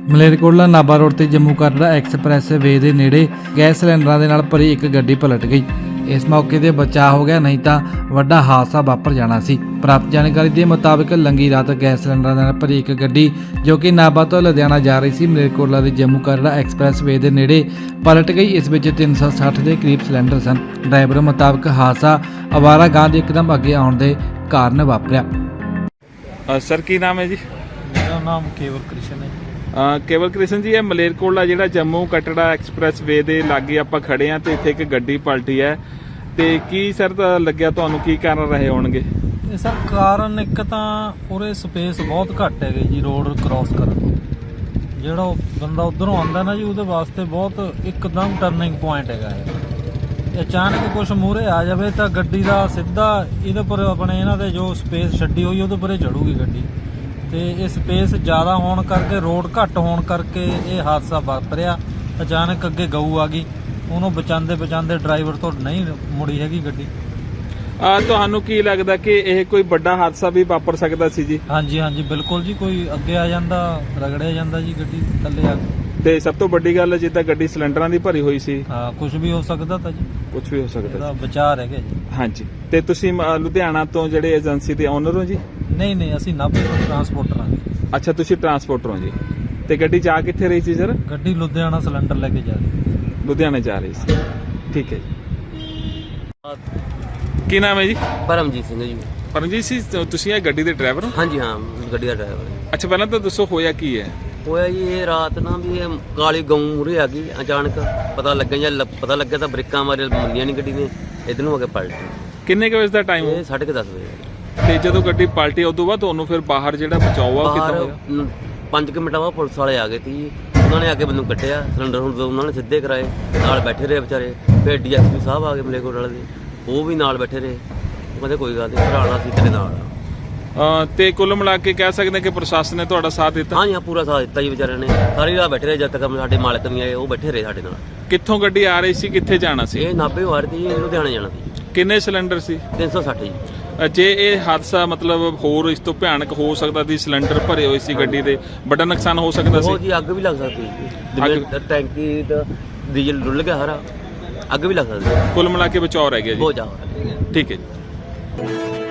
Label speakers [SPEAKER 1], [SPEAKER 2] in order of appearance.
[SPEAKER 1] Malerkotla Nabha road ਤੇ Jammu Katra express ਵੇ ਦੇ ਨੇੜੇ ਗੈਸ ਸਿਲੰਡਰਾਂ ਦੇ ਨਾਲ ਭਰੀ ਇੱਕ ਗੱਡੀ ਪਲਟ ਗਈ। ਇਸ ਮੌਕੇ ਤੇ ਬਚਾਅ ਹੋ ਗਿਆ, ਨਹੀਂ ਤਾਂ ਵੱਡਾ ਹਾਦਸਾ ਵਾਪਰ ਜਾਣਾ ਸੀ। ਪ੍ਰਾਪਤ ਜਾਣਕਾਰੀ ਦੇ ਮੁਤਾਬਕ ਲੰਗੀ ਰਾਤ ਗੈਸ ਸਿਲੰਡਰਾਂ ਦੇ ਨਾਲ ਭਰੀ ਇੱਕ ਗੱਡੀ ਜੋ ਕਿ ਨਾਭਾ ਤੋਂ ਲੁਧਿਆਣਾ ਜਾ ਰਹੀ ਸੀ, ਮਲੇਰਕੋਟਲਾ ਦੇ ਜੰਮੂ ਕਟੜਾ ਐਕਸਪ੍ਰੈਸ ਵੇ ਦੇ ਨੇੜੇ ਪਲਟ ਗਈ। ਇਸ ਵਿੱਚ 360 ਦੇ ਕਰੀਬ ਸਿਲੰਡਰ ਸਨ। ਡਰਾਈਵਰ ਮੁਤਾਬਕ ਹਾਦਸਾ ਅਵਾਰਾ ਗਾਂ ਦੇ ਇੱਕਦਮ ਅੱਗੇ ਆਉਣ ਦੇ ਕਾਰਨ ਵਾਪਰਿਆ।
[SPEAKER 2] ਸਰ ਕੀ ਨਾਮ ਹੈ ਜੀ?
[SPEAKER 3] ਮੇਰਾ ਨਾਮ ਕੇਵਲ ਕ੍ਰਿਸ਼ਨ ਹੈ।
[SPEAKER 2] ਕੇਵਲ ਕ੍ਰਿਸ਼ਨ ਜੀ, ਇਹ ਮਲੇਰਕੋਟਲਾ ਜਿਹੜਾ ਜੰਮੂ ਕਟੜਾ ਐਕਸਪ੍ਰੈਸ ਵੇ ਦੇ ਲਾਗੇ ਆਪਾਂ ਖੜੇ ਆ ਤੇ ਇੱਥੇ ਇੱਕ ਗੱਡੀ ਪਲਟੀ ਹੈ ਤੇ ਕੀ ਸਰ ਲੱਗਿਆ ਤੁਹਾਨੂੰ, ਕੀ ਕਾਰਨ ਰਹੇ ਹੋਣਗੇ?
[SPEAKER 3] ਇਹ ਸਰ ਕਾਰਨ ਇੱਕ ਤਾਂ ਉਰੇ ਸਪੇਸ ਬਹੁਤ ਘੱਟ ਹੈਗੇ ਜੀ ਰੋਡ ਕ੍ਰਾਸ ਕਰਨ ਨੂੰ। ਜਿਹੜਾ ਉਹ ਬੰਦਾ ਉਧਰੋਂ ਆਉਂਦਾ ਨਾ ਜੀ, ਉਹਦੇ ਵਾਸਤੇ ਬਹੁਤ ਇੱਕਦਮ ਟਰਨਿੰਗ ਪੁਆਇੰਟ ਹੈਗਾ ਇਹ। ਅਚਾਨਕ ਕੁਛ ਮੂਹਰੇ ਆ ਜਾਵੇ ਤਾਂ ਗੱਡੀ ਦਾ ਸਿੱਧਾ ਇਹਦੇ ਪਰ ਆਪਣੇ ਇਹਨਾਂ ਦੇ ਜੋ ਸਪੇਸ ਛੱਡੀ ਹੋਈ ਉਹਦੇ ਪਰੇ ਚੜੂਗੀ ਗੱਡੀ, ਤੇ ਇਹ ਸਪੇਸ ਜ਼ਿਆਦਾ ਹੋਣ ਕਰਕੇ ਰੋਡ ਘੱਟ ਹੋਣ ਕਰਕੇ ਇਹ ਹਾਦਸਾ ਵਾਪਰਿਆ। ਅਚਾਨਕ ਅੱਗੇ ਗਊ ਆ ਗਈ, ਉਹਨੂੰ ਬਚਾਉਂਦੇ ਡਰਾਈਵਰ ਤੋਂ ਨਹੀਂ ਮੁੜੀ ਹੈਗੀ ਗੱਡੀ।
[SPEAKER 2] ਤੁਹਾਨੂੰ ਕੀ ਲੱਗਦਾ ਕਿ ਇਹ ਕੋਈ ਵੱਡਾ ਹਾਦਸਾ ਵੀ ਵਾਪਰ ਸਕਦਾ ਸੀ ਜੀ?
[SPEAKER 3] ਹਾਂਜੀ ਬਿਲਕੁਲ ਜੀ, ਕੋਈ ਅੱਗੇ ਆ ਜਾਂਦਾ, ਰਗੜਿਆ ਜਾਂਦਾ ਜੀ ਗੱਡੀ ਥੱਲੇ ਆ ਕੇ।
[SPEAKER 2] ਤੇ ਸਭ ਤੋਂ ਵੱਡੀ ਗੱਲ ਜਿੱਦਾਂ ਗੱਡੀ ਸਿਲੰਡਰਾਂ ਦੀ ਭਰੀ ਹੋਈ ਸੀ,
[SPEAKER 3] ਹਾਂ ਕੁਝ ਵੀ ਹੋ ਸਕਦਾ ਤਾਂ ਜੀ,
[SPEAKER 2] ਕੁਝ ਵੀ ਹੋ ਸਕਦਾ
[SPEAKER 3] ਇਹਦਾ ਬਚਾਅ ਰਹਿ ਗਿਆ ਜੀ।
[SPEAKER 2] ਹਾਂਜੀ। ਤੇ ਤੁਸੀਂ ਲੁਧਿਆਣਾ ਤੋਂ ਜਿਹੜੇ ਏਜੰਸੀ ਦੇ ਓਨਰ ਹੋ ਜੀ?
[SPEAKER 3] ਨਹੀਂ ਅਸੀਂ ਨਾਭੇ ਤੋਂ ਟਰਾਂਸਪੋਰਟਰ ਹਾਂ।
[SPEAKER 2] ਅੱਛਾ, ਤੁਸੀਂ ਟਰਾਂਸਪੋਰਟਰ ਹੋ ਜੀ। ਤੇ ਗੱਡੀ ਜਾ ਕਿੱਥੇ ਰਹੀ ਸੀ ਸਰ?
[SPEAKER 3] ਗੱਡੀ ਲੁਧਿਆਣਾ ਸਿਲੰਡਰ ਲੈ ਕੇ ਜਾ ਰਹੀ।
[SPEAKER 2] ਲੁਧਿਆਣੇ ਜਾ ਰਹੀ ਸੀ, ਠੀਕ ਹੈ ਜੀ। ਕੀ ਨਾਮ ਹੈ ਜੀ?
[SPEAKER 4] ਪਰਮਜੀਤ ਸਿੰਘ ਜੀ।
[SPEAKER 2] ਪਰਮਜੀਤ ਜੀ, ਤੁਸੀਂ ਇਹ ਗੱਡੀ ਦੇ ਡਰਾਈਵਰ ਹੋ?
[SPEAKER 4] ਹਾਂਜੀ ਹਾਂ, ਗੱਡੀ ਦਾ ਡਰਾਈਵਰ।
[SPEAKER 2] ਅੱਛਾ, ਪਹਿਲਾਂ ਤਾਂ ਦੱਸੋ ਹੋਇਆ ਕੀ ਹੈ?
[SPEAKER 4] ਹੋਇਆ ਜੀ ਇਹ ਰਾਤ ਨਾ ਵੀ ਇਹ ਕਾਲੀ ਗਊ ਮੂਹਰੇ ਆ ਗਈ ਅਚਾਨਕ, ਪਤਾ ਲੱਗਿਆ ਤਾਂ ਬ੍ਰੇਕਾਂ ਮਾਰੇ ਮੰਨੀਆਂ ਨਹੀਂ ਗੱਡੀ ਨੇ, ਇਧਰ ਨੂੰ ਆ ਕੇ ਪਲਟੀ।
[SPEAKER 2] ਕਿੰਨੇ ਕੁ ਵਜੇ ਦਾ ਟਾਈਮ?
[SPEAKER 4] ਇਹ 10:30 ਵਜੇ।
[SPEAKER 2] ਤੇ ਜਦੋਂ ਗੱਡੀ ਪਲਟੀ ਉਦੋਂ ਬਾਅਦ ਤੁਹਾਨੂੰ ਫਿਰ ਬਾਹਰ ਜਿਹੜਾ ਬਚਾਓ ਆ ਕਿੱਦਾਂ ਹੋਇਆ?
[SPEAKER 4] 5 ਮਿੰਟਾਂ ਬਾਅਦ ਪੁਲਿਸ ਵਾਲੇ ਆ ਗਏ ਸੀ, ਉਹਨਾਂ ਨੇ ਆ ਕੇ ਮੈਨੂੰ ਕੱਢਿਆ। ਸਿਲੰਡਰ ਹੁਣ ਉਹਨਾਂ ਨੇ ਸਿੱਧੇ ਕਰਾਏ, ਨਾਲ ਬੈਠੇ ਰਹੇ ਵਿਚਾਰੇ। ਫਿਰ ਡੀਐਸਪੀ ਸਾਹਿਬ ਆ ਗਏ ਮਲੇਰਕੋਟਲਾ ਵਾਲੇ ਦੇ, ਉਹ ਵੀ ਨਾਲ ਬੈਠੇ ਰਹੇ। ਉਹ ਕਹਿੰਦੇ ਕੋਈ ਗੱਲ ਨਹੀਂ, ਭਰਾਣਾ ਸੀ ਤੇਰੇ ਨਾਲ।
[SPEAKER 2] ਤੇ ਕੁੱਲ ਮਿਲਾ ਕੇ ਕਹਿ ਸਕਦੇ ਕਿ ਪ੍ਰਸ਼ਾਸਨ ਨੇ ਤੁਹਾਡਾ ਸਾਥ ਦਿੱਤਾ?
[SPEAKER 4] ਹਾਂਜੀ ਹਾਂ, ਪੂਰਾ ਸਾਥ ਦਿੱਤਾ ਜੀ ਵਿਚਾਰਿਆਂ ਨੇ। ਸਾਰੀ ਰਾਤ ਬੈਠੇ ਰਹੇ, ਜਦ ਤੱਕ ਸਾਡੇ ਮਾਲਕ ਨਹੀਂ ਆਏ ਉਹ ਬੈਠੇ ਰਹੇ ਸਾਡੇ ਨਾਲ।
[SPEAKER 2] ਕਿੱਥੋਂ ਗੱਡੀ ਆ ਰਹੀ ਸੀ, ਕਿੱਥੇ ਜਾਣਾ ਸੀ?
[SPEAKER 4] ਇਹ ਨਾਭੇ ਆ ਰਹੀ ਸੀ, ਲੁਧਿਆਣੇ ਜਾਣਾ ਸੀ।
[SPEAKER 2] ਕਿੰਨੇ ਸਿਲੰਡਰ ਸੀ?
[SPEAKER 4] 360 ਜੀ।
[SPEAKER 2] ਜੇ ਇਹ ਹਾਦਸਾ ਮਤਲਬ ਹੋਰ ਇਸ ਤੋਂ ਭਿਆਨਕ ਹੋ ਸਕਦਾ ਸੀ, ਸਿਲੰਡਰ ਭਰੇ ਹੋਏ ਸੀ ਗੱਡੀ ਦੇ, ਵੱਡਾ ਨੁਕਸਾਨ ਹੋ ਸਕਦਾ ਸੀ?
[SPEAKER 4] ਉਹ ਜੀ ਅੱਗ ਵੀ ਲੱਗ ਸਕਦੀ ਸੀ, ਜਿਵੇਂ ਟੈਂਕੀ ਦਾ ਡੀਜ਼ਲ ਡੁੱਲ ਗਿਆ ਸਾਰਾ, ਅੱਗ ਵੀ ਲੱਗ ਸਕਦੀ।
[SPEAKER 2] ਕੁੱਲ ਮਿਲਾ ਕੇ ਬਚਾਅ ਰਹਿ ਗਿਆ ਜੀ?
[SPEAKER 4] ਬਹੁਤ ਜ਼ਿਆਦਾ।
[SPEAKER 2] ਠੀਕ ਹੈ ਜੀ।